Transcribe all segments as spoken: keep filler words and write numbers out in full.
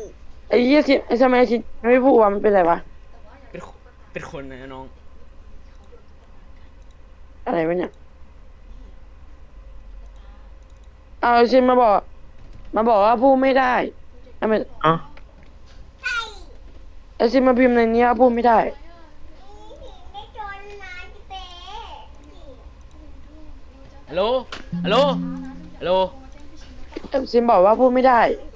ไอ้เหี้ยสิไอ้ทำไมไอ้ชิไม่พูดว่ามันเป็นอะไรวะเป็นเป็นคนนะน้องอะไรวะเนี่ยเอาไอ้ชิมาบอกมาบอกว่าพูดไม่ได้ทำไมอ๋อไอ้ชิมาพิมพ์ในนี้ว่าพูดไม่ได้ไม่จนนะพี่เป๊ฮัลโหลฮัลโหลฮัลโหลไอ้ชิมบอกว่าพูดไม่ได้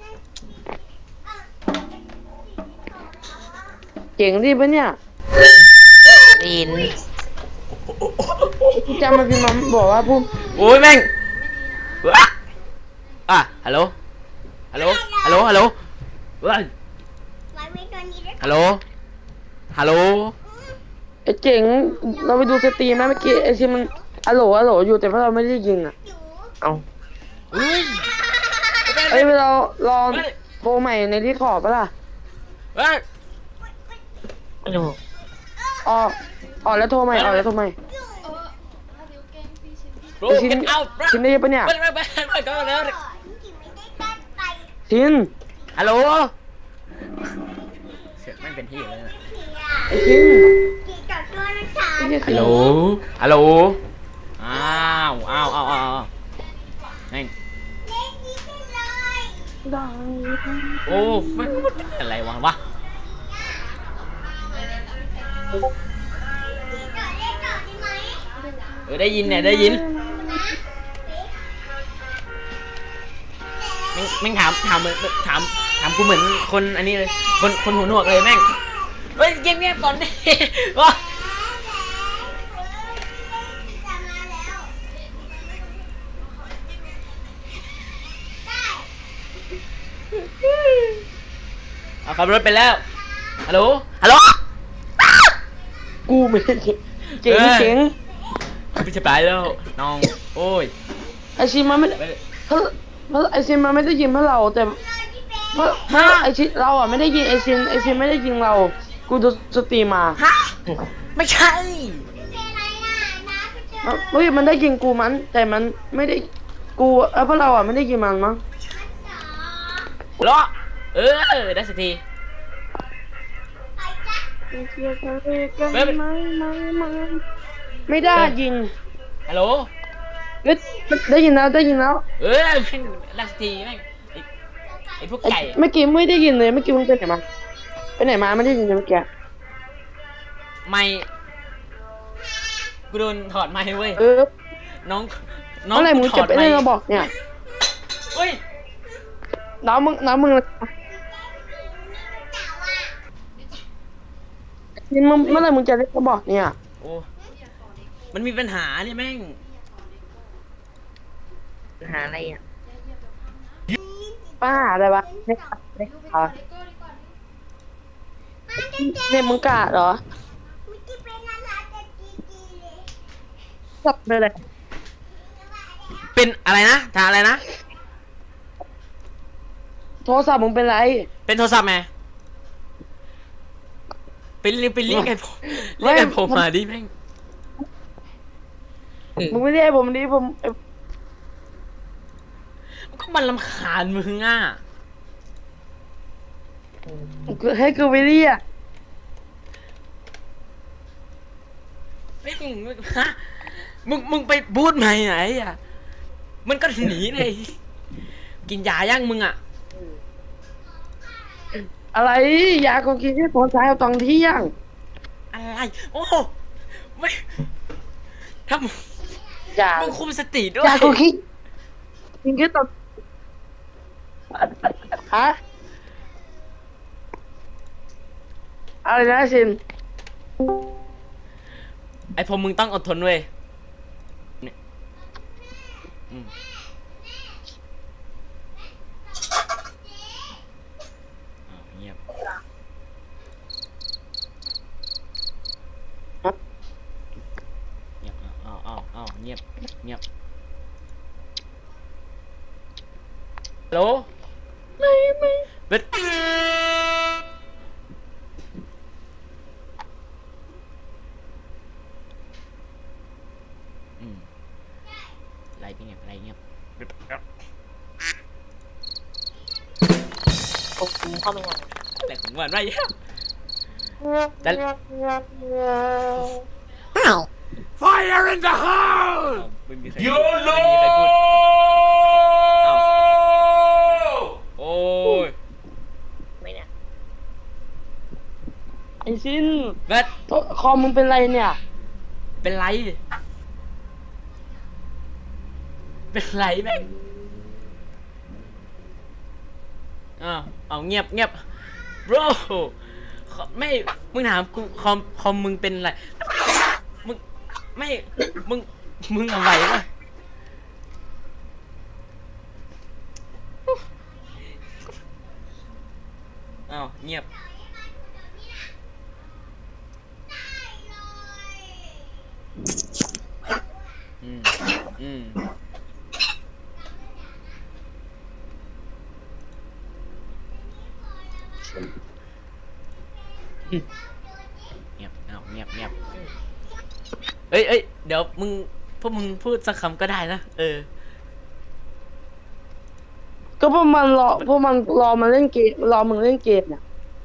เก่งดีปะเนี่ยได้ยินจำมาพิมพ์มาบอกว่าพูดโอ้ยแม่งอ่ะอ่ะฮัลโหลฮัลโหลฮัลโหลฮัลโหลเว้ยไว้ไม่จนนี้ด้วยฮัลโหลฮัลโหลไอ้เจ๋งเราไปดูสตรีมไหมเมื่อกี้ไอ้ชิมันอะโหลอะโหลอยู่แต่ว่าเราไม่ได้ยิงอ่ะอยู่เอาเฮ้ยเอ้ยเราลองโทรใหม่ในที่ขอบปะล่ะเฮ้ยไม่รู้ออกออกแล้วโทรใหม่ออกแล้วโทรใหม่ bro ไอ้ชิน get out bro ชินได้ยินปะเนี่ยไปไปไปไปก็แล้วก่อนที่ไม่ได้ตั้งใจชินฮัลโหลเสียงไม่เป็นที่เลยนะไอ้ชินกี่ต่อตัวนะคะไอ้เหี้ยฮัลโหลฮัลโหลอ้าวอ้าวอ้าวอ้าวแม่งเล่นนี้ไปเลยดังโอ้ไม่อะไรวะวะกี่ต่อเล่นต่อได้ไหมเออได้ยินเนี่ยได้ยินนะแม่งแม่งถามถามเหมือนถามถามกูเหมือนคนอันนี้เลยคนคนหูหนวกเลยแม่งเฮ้ยเงียบเงียบก่อนดิวะจะมาแล้วได้เอาขับรถไปแล้วฮัลโหลฮัลโหลกูไม่ได้เจ๋งเจ๋งเอ้ยเจ๋งไม่ใช่ไปแล้วน้องโอ้ยไอชินมันไม่ได้ไปเพราะเพราะไอชินมันไม่ได้ยินเพราะเราแต่เพราะเพราะไอชินเราอ่ะไม่ได้ยินไอชินไอชินไม่ได้ยินเรา กูดูสตรีมมาฮะไม่ใช่เป็นอะไรอ่ะนะไปเจอเฮ้ยมันได้ยินกูมัน แต่มันไม่ได้กูเออเพราะเราอ่ะไม่ได้ยินมันมั้งฮัลโหลเออได้สักทีไปจ้ะไม่เป็นไม่ไม่ไม่ไม่ได้ยินฮัลโหลเอ้ยได้ยินแล้วได้ยินแล้วเออแม่งได้สักทีแม่งไอ้ไอ้พวกไอ้ไก่เมื่อกี้ไม่ได้ยินเลยเมื่อกี้มึงไปไหนมาไปไหนมาไม่ได้ยินเลยเมื่อกี้ไม่กูโดนถอดไม้เว้ยเออน้องน้องเมื่อไหร่มึงกูถจะอดไปไม้เล่นเราบอกเนี่ยเฮ้ยน้ำมึงน้ำมึงนี่มึงเมื่อไหร่มึงจะเล่นเราบอกเนี่ยโอ้มันมีปัญหาเนี่ยแม่งหาอะไรอ่ะป้าอะไรวะเนี่ยเนี่ยค่ะเนี่ยมึงกาดเหรอเมื่อกี้เป็นอะไรแต่จีจีเลยจับไปเลยเป็นอะไรนะถามอะไรนะโทรศัพท์มึงเป็นไรเป็นโทรศัพท์ไหมเป็นเรียกเป็นเรียกไอ้ผมเรียกไอ้ผมมาดิแม่งมึงไม่ได้ให้ผมดิผมมันก็มันรำคาญมึงอ่ะให้กูไปเรียกไม่มึงมึงฮะมึงมึงไปบูดใหม่ไหนอ่ะมันก็หนีเลยกินยาย่างมึงอ่ะอะไรยากูกินที่ตอนเช้าตอนเที่ยงอะไรโอ้ไม่ถ้ามึงยามึงคุมสติด้วยยากูคิดกินแค่ตอนฮะอะไรนะชินไอ้ผมมึงต้องอดทนเว้ยเนี่ยอืมอ้าวเงียบเงียบอ้าวอ้าวอ้าวเงียบเงียบฮัลโหลไม่ไม่เบ็ดอืมไรเงียบไรเงียบโอ้โหเข้าไม่ยังแหลกของมันไม่ยังแต่อ้าว Fire in the hole! ไม่มีใคร YOLO! ไม่มีใครพูดอ้าวโอ้ยไม่เนี่ยไอ้ชินแบทคอมมึงเป็นไรเนี่ยเป็นไร เป็นไรแม่งอ้าวเอาเงียบเงียบ bro ไม่ มึงถามกูคอมคอมมึงเป็นไร มึง ไม่ มึง มึงเอาไหวปะอ้าวเงียบ อืม อืม เงียบเอาเงียบเงียบเอ้ยเอ้ยเดี๋ยวมึง พวกมึงพูดสักคำก็ได้นะ เออก็พวกมันรอพวกมันรอมาเล่นเกมรอมึงเล่นเกมเนี่ย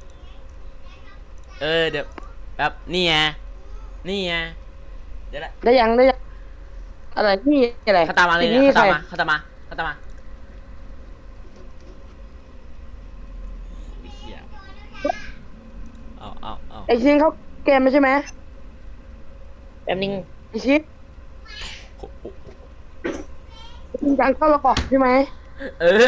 เออ เดี๋ยวแบบนี่ไง นี่ไง เดี๋ยวละได้ยังได้ยังอะไรนี่อะไรเขาตามมาเลยนี่เนี่ยเขาใครตามมาเขาตามมาเขาตามมาโอ้ยเหี้ยเอาเอาเอาไอ้ชินเขาเกมไม่ใช่ไหมแป๊บนึงไอ้ชินโอ้โหมีการเข้าระบบใช่ไหมเออ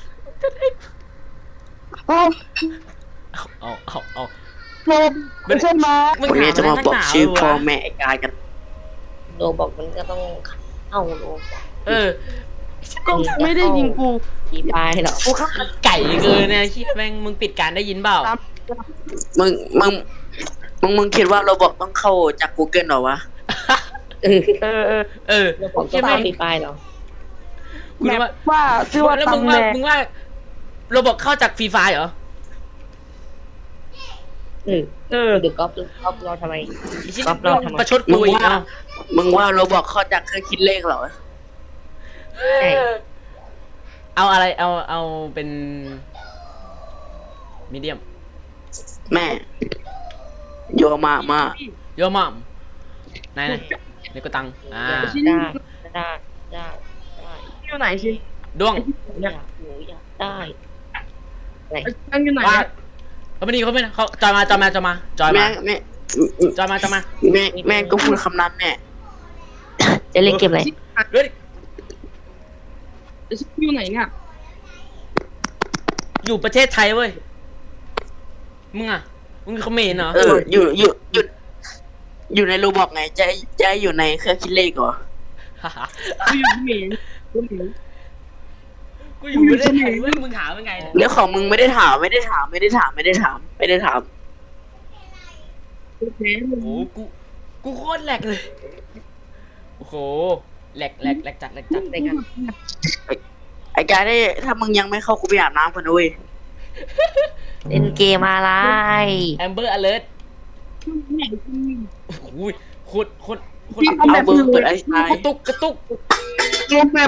เอ้าเอาเอาเอาโดนไม่ใช่ไหมมึงวันนี้หาจะมาไรนับอกหนชื่อวะพ่อแม่ไอ้กายกันโดบอกมันก็ต้องเข้าโดเออก็ไม่ได้ยิงกูทีปลายหรอกูฆ่าไก่เกินเนี่ยที่แม่งมึงปิดการได้ยินเปล่าตามมึง มึง มึง มึงคิดว่าเราบอกต้องเข้าจาก Google เหรอวะเออเออเออเออโดบอกใช่ก็ไหมตามทีปลายหรอกูแมนึกปว่าว่าชื่อว่าแล้วมึงตำแหว่าน่งมึงว่าโรบอกเข้าจากฟรีไฟเหรอเออเออเดี๋ยวก๊อปก๊อปเราทำไมไอ้ชิ้นรับรองทำไมประชดมึกูงอีกว่าอ่ะมึงว่าเราบอกเข้าจากเครื่องคิดเลขเหรอใช่เอาอะไร เอา เอาเป็นมีเดียมแม่ โยมามาโยมอมไหนไหนนี่ก็ตัง อ่าได้ได้ได้ได้อยู่ไหนชินด้วงอยากหนูอยากได้ไอ้ชินอยู่ไหนว่าเนี่ยเขาไม่ดีเขาไม่เขาจอยมาจอยมาจอยมาจอยแม่มาแม่จอยมาจอยมาแม่แม่ก็พูดคำนั้นแน่จะเล่นเกมอะไรเฮ้ยไอ้ชินอยู่ไหนเนี่ยอยู่ประเทศไทยเว้ย มึงอ่ะ มึงเขมรเหรอเออ อยู่ อยู่ อยู่ อยู่ในโรบอกไง จะ จะอยู่ในเครื่องคิดเลขเหรอกูอยู่ที่เมนกูเหมนกูอยู่ประเทศไทยเว้ย มึงหาเป็นไงเนี่ยเรื่องของมึงไม่ได้ถาม ไม่ได้ถาม ไม่ได้ถาม ไม่ได้ถาม ไม่ได้ถามกูแพ้มึโอ้งโหกู กูโคตรแหลกเลย โอ้โห แหลกแหลกแหลกจัดแหลกจัดได้กันไอ้กายได้ถ้ามึงยังไม่เข้ากูไปอาบน้ำก่อนด้วยเล่นเกมอะไรแอมเบอร์อเลิร์ตไหนกูโอ้โหโคตรโคตรโคตรพี่เอาเบอร์เปิดไอ้ชายกระตุกกระตุกเกมแบบ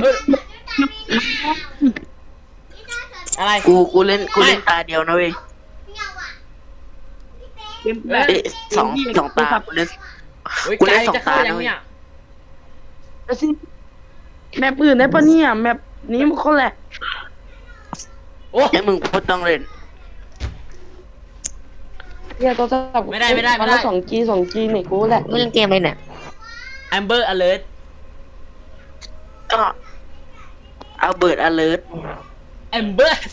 อะไรกู กูเล่น กูเล่นตาเดียวนะเว้ยเกมแบบเอ้ยสองสองตากูเล่นเฮ้ยกูไกเล่นลสองจะเข้าตายังนะเว้ยเนี่ยไอ้ชินแมปอื่นได้ปะเนี่ยแมปนี้มันคนแหละโอ้งั้นมึงก็ต้องเล่นเนี่ยตัวสับไม่ได้ไม่ได้ไม่ได้สองจีสองจีเนี่ยกูแหละเล่นเกมอะไรเนี่ยแอมเบอร์อเลิร์ตก็เอาเบิร์ดอเลิร์ตแอมเบอร์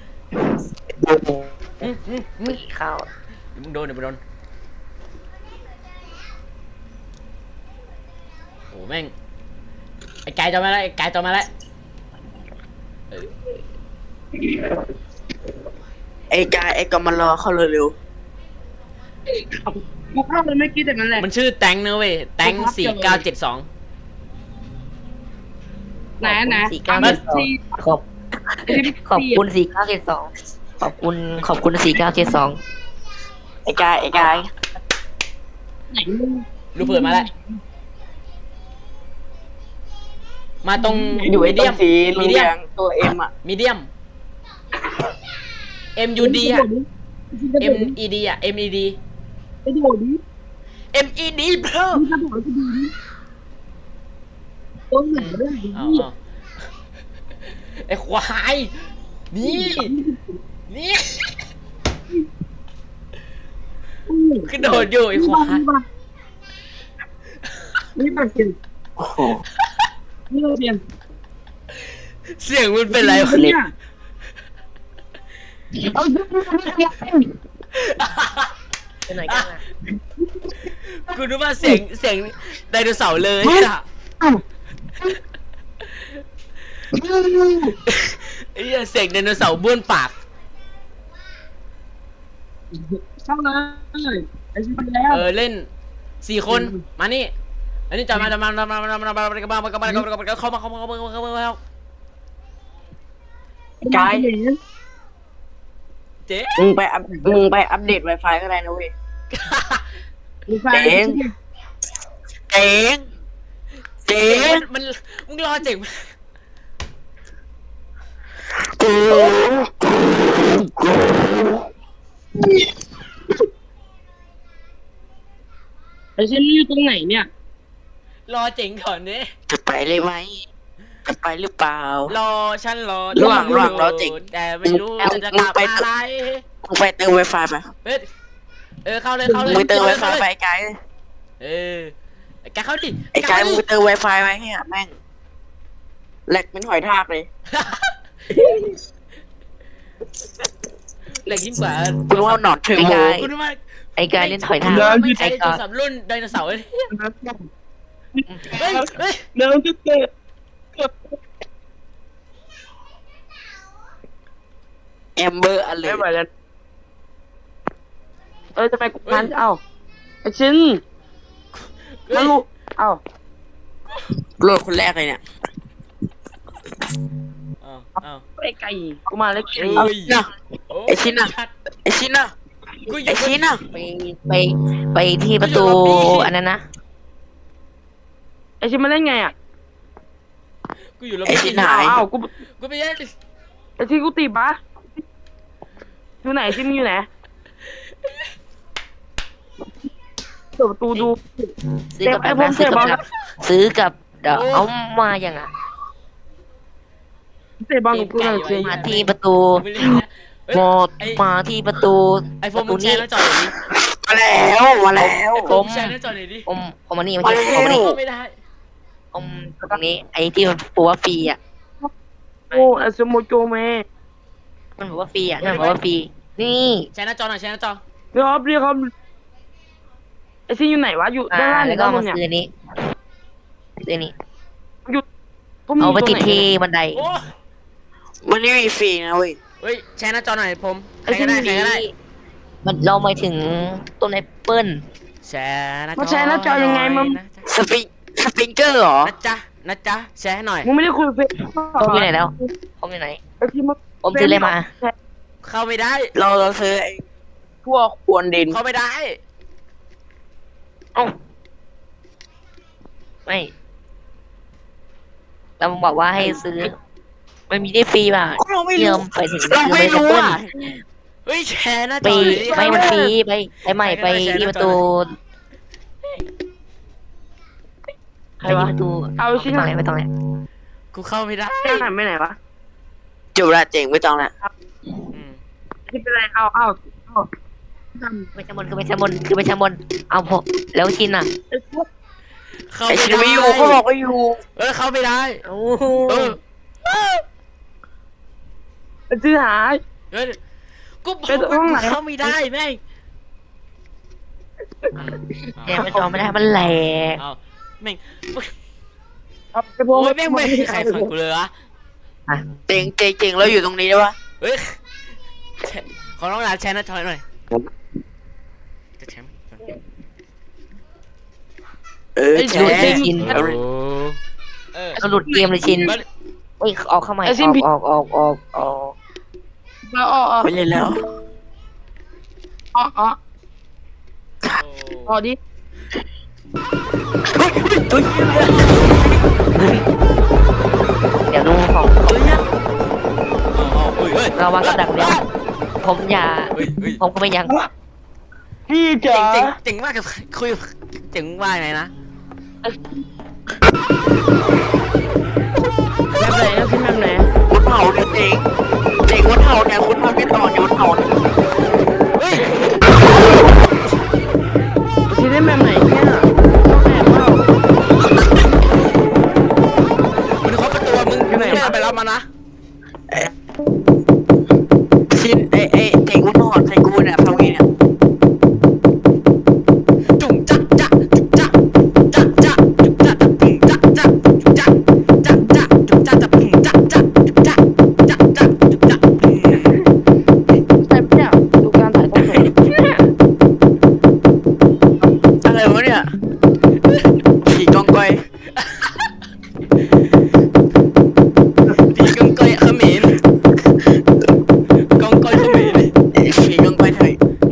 อืมอืมไม่เข้ามึงโดนเดี๋ยวมึงโดนโอ้แม่ง ไอ้ไก่จอมาแล้วไอ้ไก่จอมาแล้วเออไอ้กายไอ้ก็มารอเข้าเร็วกูเข้าเลยไม่คิดแต่นั้นแหละมันชื่อแตงนะเว้ย แตงสี่เก้าเจ็ดสองไหนไหนสี่เก้าเจ็ดสองขอบขอบคุณสี่เก้าเจ็ดสองขอบคุณขอบคุณสี่เก้าเจ็ดสองๆไอ้กายไอ้กายไหนมึงรูปเปิดมาแล้ว มาตรงอยู่ไอ้มีตรเดียงมสีเหมีลืเดียอมงตัวเอ็มอ่ะมีเดียม M U D อ่ะ M E D อ่ะ M E D ไปโดดดิ M E D bro มึงจะบอกกูดูดิต้นไหนเรื่องนี้เอาเอาไอ้ควายนี่นี่กระโดดอยู่ไอ้ควายนี่มาเปลี่ยนโอ้โหนี่มาเปลี่ยนเสียงมันเป็นไรวะเนี่ยเอาดูดูดูไปไหนกันอ่ะกูนึกว่าเสียงเสียงไดโนเสาร์เลยอ่ะไอ้เหี้ยเสียงไดโนเสาร์บ้วนปากเข้าเลยไอ้ชิบะแล้วเออเล่นสี่คนมานี่อันนี้จับมาจับมาจับมาจับมาจับมาจับมาจับมาจับมาจับมาเข้ามาเข้ามาเข้ามาเข้ามาเข้ามากายเจ๊มึงไปอัพมึงไปอัปเดต Wi-Fi ก็ได้นะเว้ย เจ๋ง เจ๋งเจ๋งมันมึงรอเจ๋งกูไอ้ชินนี่อยู่ตรงไหนเนี่ยรอเจ๋งก่อนดิจะไปเลยไหมจะไปหรือเปล่ารอฉันรอระหว่างระหว่างรอเจ๋งแต่ไม่รู้จะกลับอะไรมึงไปเติม Wi-Fi ไปเฮ้ยเออเข้าเลยเข้าเลยมึงไปเติม Wi-Fi ไปไอ้ไกด์เออแกเข้าดิไอ้ไกด์มึงไปเติม Wi-Fi ไปเนี่ยแม่งแหลกเป็นหอยทากเลยเหล็กยิ่งกว่าคุณว่าหนอนเทอร์โมคุณว่าไอ้กายเล่นถอยทางไม่ใช่ไอ้โทการ ยศัพท์รุ่นไดโนเสาร์เลยเฮ้ยเฮ้ยเดินจะเตะแอมเบอร์อะไรไม่ไหวแล้วเออจะไปกูพันเอ้าไอ้ชินมาลูกเอ้าโหลดคนแรกเลยเนี่ยอ้าวอ้าวไอ้ไก่กูมาแล้วเอ้ยน่ะ ไอ้ชิ้นน่ะ ไอชินน่ะกูอไอยู่ ชินน่ะไปไปไปที่ประตูอันนั้นนะไอ้ชินมาเล่นไงอ่ะกูอยู่แล้วไอชินหายเอ้ากูกูไปเล่นไอ้ชินกูตีปะอยู่ไหนชินอยู่ไหนเปิดประตูดูซื้อกับไอ้แบบพวนั้กนเตะซื้อบอลกับซื้อกับเดี๋ยวเอามาอย่างอ่ะเตะบอลกับกูหน่อยชินมาที่ประตูกูไปเล่นนะเฮ้ยหมดมาที่ประตูไอโฟปนระมึตูงแชนี้ร์หน้าจอหน่อยดิมาแล้วมาแล้วไอโฟนมึงแชร์หน้าจอหน่อยดิอมอมมานี่มาที่อมมานี่เข้าไม่ได้อมตรงนี้ ไอ้ที่มันบอกว่าฟรีอ่ะโอ้ไอ้สโมโจเมมันบอกว่าฟรีอ่ะนั่นบอกว่าฟรีนี่แชร์หน้าจอหน่อยแชร์หน้าจอเรียกครับเรียกครับไอ้ชินอยู่ไหนวะอยู่อ่าด้านล่างหรืแล้อวก็ด้านบมานเนี่ยซื้อนี้ซื้อนี้พวกมึงเอาไปยู่ติดรงหนที่บันไดโอ้มันไม่มีฟรีนะเว้ยเฮ้ยแชร์หน้าจอหน่อยผมใครก็ได้ใครก็ได้มันเราหมายถึงต้นแอปเปิ้ลแชร์หน้าจอมาแชร์หน้าจอยังไงมึงนะจ๊ะสปริงสปริงเกอร์เหรอนะจ๊ะนะจ๊ะแชร์ให้หน่อยมึงไม่ได้คุยเฟซผมอยู่ไหนแล้วผมอยู่ไหนไอ้ที่มึงผมซื้ออะไรมาเข้าไม่ได้เราเราซื้อไอ้พวกควนดินเข้าไม่ได้เอ้าไม่เราบอกว่าให้ซื้อมันมีได้ฟรีป่ะเราไม่เยี่ยรู้มไปถึงเราไม่รู้อ่ะเฮ้ยแชร์หน้าจไปอเลยดิไม่มันฟรีไปไปใหม่ไปที่ประตูใครไปที่วะประตูเอาชิ้นไปตรงไหนไปตรงไหนกูเข้าไม่ได้แค่หันไปไหนวะจบละเจ๋งไม่ต้องละอืมที่เป็นไรเอาเอาเอาไปชั้นบนคือไปชั้นบนคือไปชั้นบนเอาพอแล้วชินอ่ะไอ้พวกเข้าไอไม่ชินได้ไม่อยู่เขาบอกว่าอยู่เออเข้าไม่ได้โอ้เออไอ้ชื่อหายเฮ้ยกูบอกเป็นห้องไหนว่าเข้าไม่ได้แม่งแกมันจอไม่ได้มันแหลกเอาแม่งเอาไอ้พวกโอ้ยแม่งไม่มีใครขังกูเลยวะเจ๋งเจ๋งเจ๋งเราอยู่ตรงนี้ได้ปะเฮ้ยแชร์ขอน้องหลานแชร์หน้าจอหน่อยจะแชร์ไหมเออไอ้แชดูร์จริงชินโอ้เออก็หลุดเกมเลยชินเอ้ยออกเข้าใหม่อไอ้ชินอกผิดออกออกออกออกเอาเอาเอาไปเลยแล้วเอาเอาเอาดิเดี๋ยวดูของเอาเอาเฮ้ยเฮ้ยเราวางกับดักเดียวผมอย่าเฮ้ยเฮ้ยผมก็ไม่ยังพี่เจ๋จ๋างเจ๋งเจ๋งมากกับคุยเจ๋งว่าไงนะแบบไหนนะพี่แบบไหนคุณเผาเนี่ยเจ๋งเจ๋งคุณเผาเนี่ยคุณทำไม่ต่อเนี่ยคุณเผาเนี่ยเฮ้ยพี่เล่นแบบไหนเนี่ยต้องแอบเปล่ามึงเคาะประตูมึงไม่ได้ไปรับมานะชินไอไอเจ๋งคุณถอดใส่กูเนี่ยทำไงเนี่ยจุ่มจักจักจุ่มจักจักจักจุ่มจักจุ่มจักจักจุ่มจักจักจักจุ่มจักจักจุ่มจักจักจุ่มจักจักจักจุ่มจักใช่ปะเนี่ยดูการถ่ายทอดสดอะไรวะเนี่ยผีกองกอยผีกองกอยเขมรกองกอยเขมรผีกองกอยไทย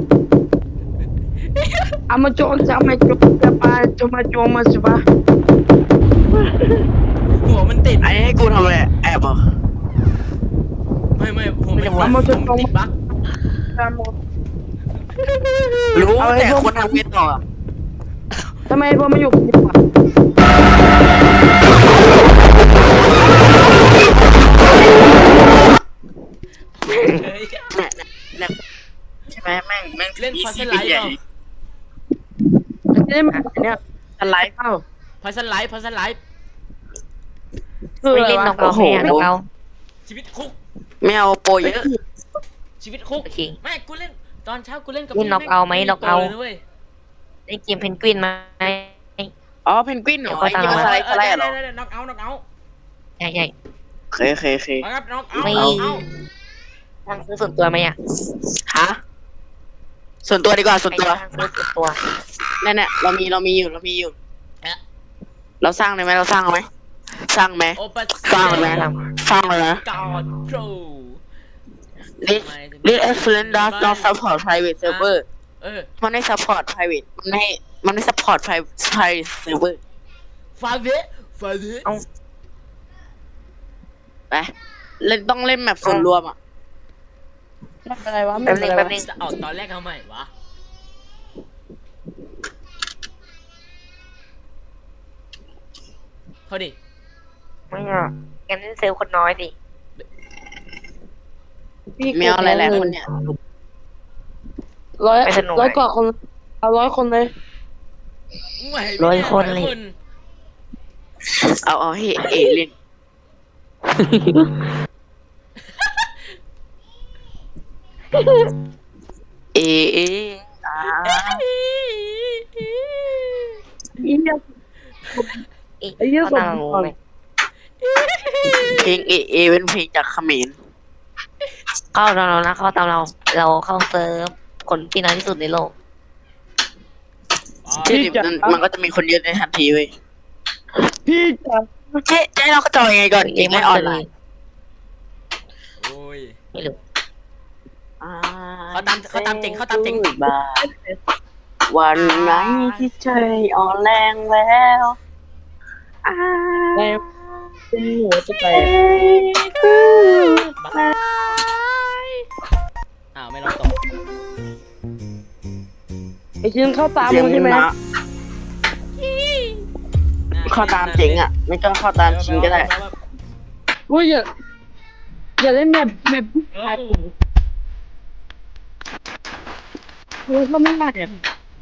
เอามาโจรจะมาโจรจะมาจะมาโจรมาสิบะหัวมันติดไอ้ให้กูทำอะไรแอบเหรอไม่ไม่หัวมันติดหัวมันติดบั๊กตามหมดรู้แต่คนทำไงต่อทำไมพอมาอยู่กับพี่วะเฮ้ยเนี่ยเนี่ยใช่ไหมแม่งแม่งเล่นพอสใหไลด์ญ่เปล่าเล่นแบบเนี่ยอะไรเปล่าพอสไลด์พอสไลด์คือไม่อะไรเล่นวะนอกเอาแม่นอกเอาชีวิตคุกไม่เอาโปรเยอะชีวิตคุกโอเคไม่กูเล่นตอนเช้ากูเล่นกับเล่นน็อกเอาไหมน็อกเอาเลยเว้ยเล่นเกมเพนกวินไหมอ๋อเพนกวินเหรอไอ้ที่มันสไลด์สไลด์เหรอน็อกเอาน็อกเอาใช่ใช่เคยเคยเคยเอาครับน็อกเอาไม่เอาเอาทางซื้อส่วนตัวไหมอ่ะฮะส่วนตัวดีกว่าส่วนไปตัวทางซื้อส่วนตัวเนี่ยเนี่ยเรามีเรามีอยู่เรามีอยู่ เราสร้างเลยไหมเราสร้างไหมสร้างไหมโอปัสสร้างเลยไหมสร้างเลยนะกอดโปร This this excellent does not support private server เออมันไม่ support private มันไม่มันไม่ support private private server ฟาเวฟาเวไปเล่นต้องเล่นแบบส่วนรวมอ่ะไม่เป็นไรวะไม่แป๊บเป็นึนงไรแป๊บวะนึงจะเอาตอนแรกทำไมวะเขาดิไม่อ่ะงั้นเล่นเซลล์คนน้อยสิพี่ไม่เอาอะไรแหละคนเนี่ยร้อยไม่สนุกร้อยกว่าคนเอาร้อยคนเลยไหวไหมร้อยคนเลยร้อเอาเอาให้เอเล่นเอเออ่าอีเนี่ยอีกไอ้เหี้ยเขาตั้งส่งงงเลยเพลงเอเอเป็นเพลงจากเขมรเข้าเราเรานะเข้าตามเรา เราเข้าเซิร์ฟคนที่น้อยที่สุดในโลกที่ดิบมันมันก็จะมีคนเยอะในทันทีเว้ยพี่จ๋าเจ๊เจ๊เราก็จอยยังไงก่อนเกมไม่ออนไลน์โอ้ยไม่รู้เขาตามเขาตามเจ๋งเขาตามเจ๋งบาย วันไหนที่ใจอ่อนแรงแล้วอ่าแล้วเป็นหัวจะแตกอ้าวไม่ร้องต่อไอ้ชิ้นเข้าตามเสียมึงงใช่ไหมนะเข้าตามเจ๋งอ่ะ ไม่ก็เข้าตามชิงก็ได้กูอย่าอย่าเล่นแบบแบบเออกูก็ไม่ได้อะ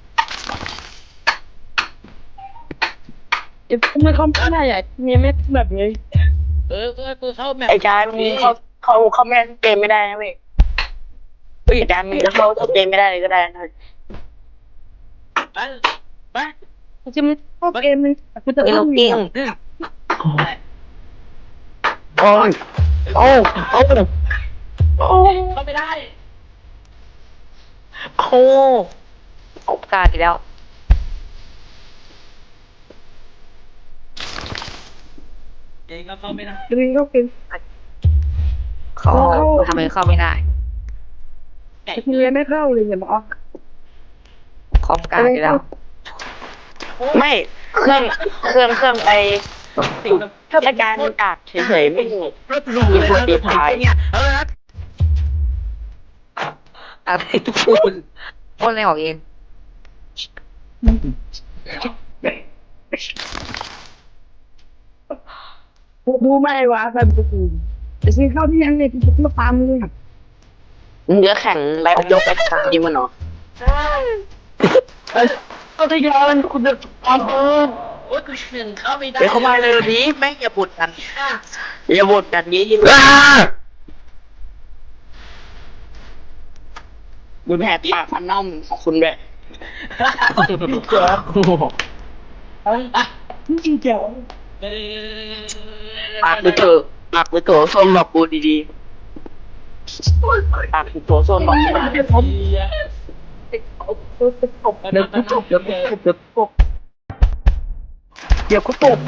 ไอ้พวกไม่เข้าไม่ได้อ่ะเนี่ยไม่แบบนี้เออก็กูเข้าแมปไอ้จายมึงเขาเขาเขาไม่เกมไม่ได้นะเว้ยเฮ้ยจายมึงจะเข้าเกมไม่ได้เลยก็ได้นะไปไปกูจะไม่เข้าเกมนึงกูจะเอ้ยเข้าเราเกเก่งมโอ้ยโอ้โอ้โอ้เข้าไม่ได้โคโอกาสอีกแล้วเก่งก็เข้าไม่ได้ดึงเข้าเกมเขาเข้าทำไมเข้าไม่ได้ไก่ไอ้ที่เรียนไม่เข้าเลยอย่ามาออกคอมกลางอีกแล้วไม่เครื่องเครื่องเครื่องไอสิ่งแบบแค่การกากเฉยๆไม่รถหรูเลยนะมีคนตีท้ายเนี่ยเอออะไรพูดพูดอะไรออกเองดูไม่วะแบบกูจะซื้อข้าวที่ยังเนี่ยกูมาตามมึงอ่ะมึงจะแข่งแบ็คยกแบ็คสามดีมันเหรอเอาที่ย้อนคุณจะตามเออโอ๊ยกูหนึ่งเข้าไม่ได้ไปเข้ามาเลยดิแม่งอย่าบ่นกันอย่าบ่นกันนี้บุญแผลปากพันน่อมของคุณแบบเจ๋อจริงเจ๋อปากไปเถอะปากไปโถส้มบอกกูดีๆปากไปโถส้มบอกกูดีเดี๋ยวผมตบเดี๋ยวกูตบเดี๋ยวกูตบเดี๋ยวกูตบเดี๋ยวกูตบ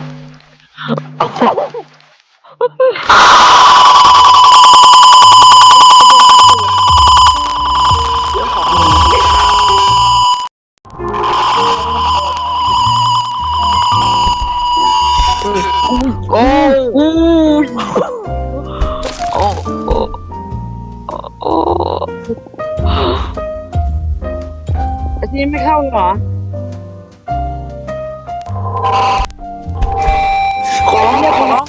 ๆโอ้อู้โอ้โอ้โอ้ไอ้ที่ไม่เข้าเหรอขอร้องขอร้อง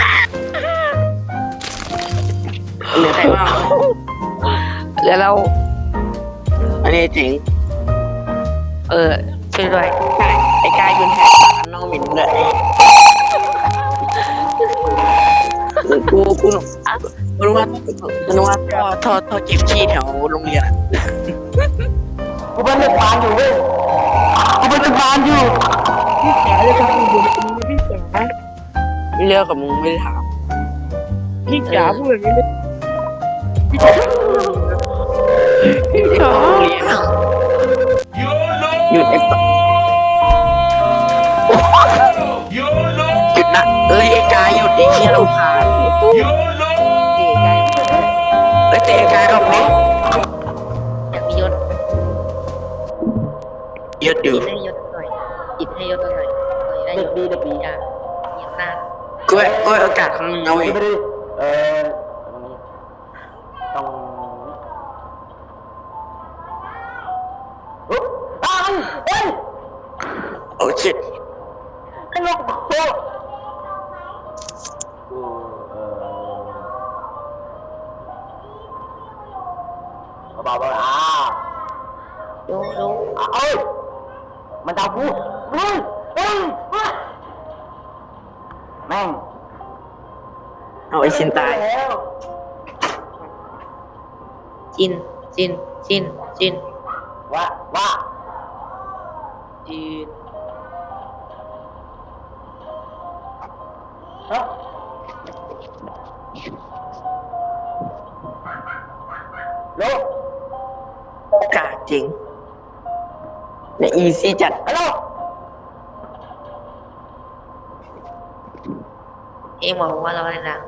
เหลือใครบ้างแล้วเราอันนี้เจ๋งเออช่วยด้วยใช่ไอ้กายยืนแหกปากน้องเหม็นเลยกูกูกูรู้ว่ากูรู้ว่าท่อท่อท่อเก็บขี้แถวโรงเรียนอะกูเป็นเด็กพานอยู่เว้ยกูเป็นเด็กพานอยู่พี่จ๋าจะทำอยู่พี่จ๋าเรื่องกับมึงไม่ได้ถามพี่จ๋าพูดแบบนี้ไม่เด็กโรงเรียนอะหยุดไอ้ปะหยุดนะเอ้ยไอ้กายหยุดไอ้เหี้ยเราผ่านไอ้เตะกายออกนี้อยากมียศหยุดอยู่จิตให้ยศหน่อยจิตให้ยศหน่อยได้ยศดีได้ปีอ่ะมีอำนาจกูกูโอกาสครั้งนึงเอาเองเออต้องเฮ้ยเฮ้ยโอ้ชิตไอ้ลูกโอ้เออเบาๆอ่ะโยโยเอ้ยมันจะพูดเฮ้ยเฮ้ยแม่งเอาไอ้ชินตายแล้วจินจินจินจินว่าว่าจีนฮะโลโอกาสจริงเนี่ยอีซี่จัดฮัลโหลเอ็งบอกว่าเราอะไรนะ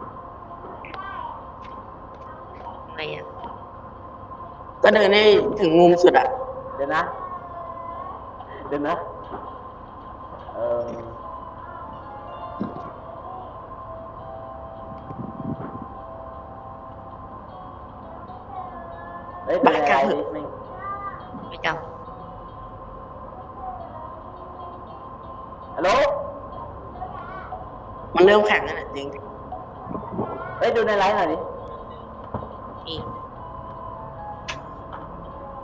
ไงอ่ะก็เดินให้ถึงมุมสุดอ่ะเดี๋ยวนะ เดี๋ยวนะ เออเฮ้ยเป็นอะไรนิดนึงไม่จฮัลโหลมันเริ่มแข่งแล้วนะจริงเฮ้ยดูในไลน์หน่อยดิ